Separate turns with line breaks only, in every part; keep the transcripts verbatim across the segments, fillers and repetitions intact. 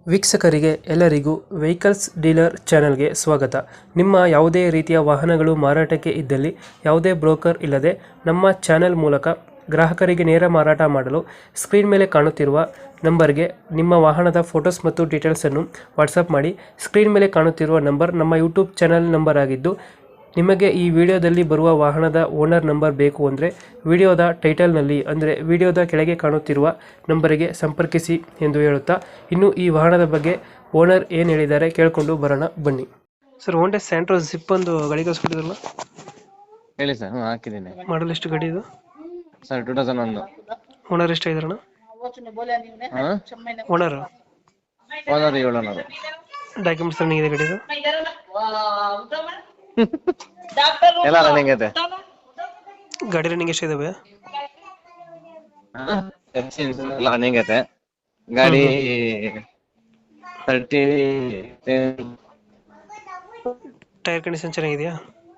ವೀಕ್ಷಕರಿಗೆ ಎಲ್ಲರಿಗೂ vehicles dealer ಚಾನೆಲ್ಗೆ ಸ್ವಾಗತ. ನಿಮ್ಮ ಯಾವುದೇ ರೀತಿಯ ವಾಹನಗಳು ಮಾರಾಟಕ್ಕೆ ಇದ್ದಲ್ಲಿ ಯಾವುದೇ ಬ್ರೋಕರ್ ಇಲ್ಲದೆ ನಮ್ಮ ಚಾನೆಲ್ ಮೂಲಕ ಗ್ರಾಹಕರಿಗೆ ನೇರ ಮಾರಾಟ ಮಾಡಲು ಸ್ಕ್ರೀನ್ ಮೇಲೆ ಕಾಣುತ್ತಿರುವ ನಂಬರ್ಗೆ ನಿಮ್ಮ ವಾಹನದ ಫೋಟೋಸ್ ಮತ್ತು ಡೀಟೇಲ್ಸನ್ನು ವಾಟ್ಸಪ್ ಮಾಡಿ. ಸ್ಕ್ರೀನ್ ಮೇಲೆ ಕಾಣುತ್ತಿರುವ ನಂಬರ್ ನಮ್ಮ ಯೂಟ್ಯೂಬ್ ಚಾನೆಲ್ ನಂಬರ್ ಆಗಿದ್ದು, ನಿಮಗೆ ಈ ವಿಡಿಯೋದಲ್ಲಿ ಬರುವ ವಾಹನದ ಓನರ್ ನಂಬರ್ ಬೇಕು ಅಂದರೆ ವಿಡಿಯೋದ ಟೈಟಲ್ನಲ್ಲಿ ಅಂದರೆ ವಿಡಿಯೋದ ಕೆಳಗೆ ಕಾಣುತ್ತಿರುವ ನಂಬರಿಗೆ ಸಂಪರ್ಕಿಸಿ ಎಂದು ಹೇಳುತ್ತಾ, ಇನ್ನು ಈ ವಾಹನದ ಬಗ್ಗೆ ಓನರ್ ಏನು ಹೇಳಿದ್ದಾರೆ ಕೇಳಿಕೊಂಡು ಬರೋಣ ಬನ್ನಿ. ಸರ್, ಹೋಂಡಾ ಸ್ಯಾಂಟ್ರೋ ಜಿಪ್ ಒಂದು ಗಾಡಿ ಕಳಿಸ್ಕೊಟ್ಟಿದ್ರಲ್ಲ,
ಹೇಳಿ ಸರ್. ಹ್ಞೂ ಹಾಕಿದ್ದೀನಿ
ಮಾಡಲ್ ಎಷ್ಟು ಗಾಡಿ ಇದು?
ಸರ್. ಟೂ ತೌಸಂಡ್ ಒಂದು.
ಓನರ್ ಎಷ್ಟಾಗಿದ್ರಣ?
ಹಾಂ,
ಓನರ್
ಓನರ್ ಏಳು ಓನರು.
ಡಾಕ್ಯುಮೆಂಟ್ಸ್ ರನ್ನಿಂಗ್ ಇದೆ ಗಾಡಿದು?
ಎಲ್ಲ ರನ್ನಿಂಗ್ ಐತೆ.
ಗಾಡಿ ರನ್ನಿಂಗ್ ಎಷ್ಟಿದಾವೆ?
ಎಲ್ಲ ರನ್ನಿಂಗ್ ಐತೆ. ಗಾಡಿ ತರ್ಟಿ
ಟೈರ್ ಕಂಡೀಷನ್ ಚೆನ್ನಾಗಿದೆಯಾ?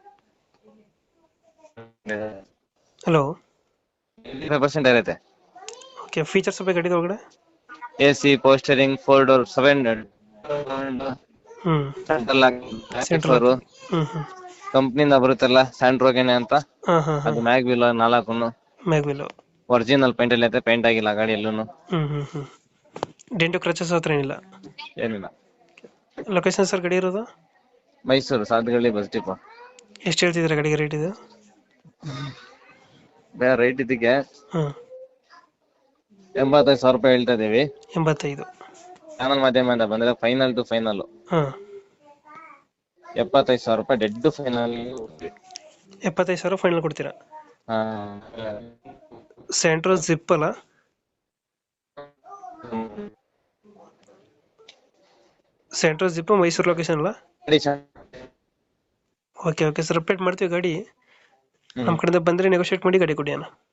ಹಲೋ,
ಫೈವ್ ಪರ್ಸೆಂಟ್ ಐತೆ.
ಓಕೆ, ಫೀಚರ್ಸ್ ಬಗ್ಗೆ ಗಾಡಿದ ಒಳಗಡೆ?
ಎ ಸಿ, ಪೋಸ್ಟರಿಂಗ್, ಫೋರ್ ಡೋರ್, ಸೆವೆನ್
ಹ್ಞೂ
ಸೆಂಟ್ರಲ್
ಸೆಂಟ್ರಲ್ ಹ್ಞೂ ಹ್ಞೂ
ಕಂಪ್ನಿಯಿಂದ ಬರುತ್ತಲ್ಲ ಸ್ಯಾಂಟ್ರೋಗೆನೆ ಅಂತ.
ಹಾಂ ಹಾಂ
ಅದು ಮ್ಯಾಗ್ ವೀಲ್ ನಾಲ್ಕು
ಮ್ಯಾಗ್ವಿಲ್
ಒರಿಜಿನಲ್ ಪೇಂಟ್ ಅಲ್ಲಿ ಐತೆ. ಪೇಂಟ್ ಆಗಿಲ್ಲ ಗಾಡಿ ಎಲ್ಲೂ.
ಹ್ಞೂ ಹ್ಞೂ ಹ್ಞೂ ಡೆಂಟು ಕ್ರಚಸ್ ಹತ್ರ ಏನಿಲ್ಲ?
ಏನಿಲ್ಲ.
ಲೊಕೇಶನ್ ಸರ್ ಗಾಡಿ ಇರೋದು?
Mysuru Sadhugalli bus depot.
ಎಷ್ಟು ಹೇಳ್ತಿದ್ದೀರಾ ಗಾಡಿಗೆ ರೇಟ್ ಇದು?
ಬೇರೆ ರೈಟ್ ಇದಕ್ಕೆ
ಹಾಂ,
ಎಂಬತ್ತೈದು ಸಾವಿರ ರೂಪಾಯಿ ಹೇಳ್ತಾ ಇದೀವಿ.
ಎಂಬತ್ತೈದು.
ಚಾನಲ್ ಮಾಧ್ಯಮದಿಂದ ಬಂದ್ರೆ ಫೈನಲ್ ಟು ಫೈನಲ್
ಹಾಂ,
ಎಪ್ಪತ್ತೈದು ಸಾವಿರ ರೂಪಾಯಿ ಡೆಡ್ ಫೈನಲ್.
ಎಪ್ಪತ್ತೈದು ಸಾವಿರ ಫೈನಲ್ ಕೊಡ್ತೀರಾ?
ಹಾ,
ಸ್ಯಾಂಟ್ರೋ ಜಿಪ್ ಅಲ್ಲ? ಸ್ಯಾಂಟ್ರೋ ಜಿಪ್ ಮೈಸೂರು ಲೊಕೇಶನ್ ಅಲ್ಲ? ಓಕೆ ಓಕೆ ಸರ್, ಅಪ್ಡೇಟ್ ಮಾಡ್ತೀವಿ ಗಾಡಿ. ನಮ್ಮ ಕಡೆಯಿಂದ ಬಂದರೆ ನೆಗೋಷಿಯೇಟ್ ಮಾಡಿ ಗಾಡಿ ಕೊಡಿ ಅಣ್ಣ.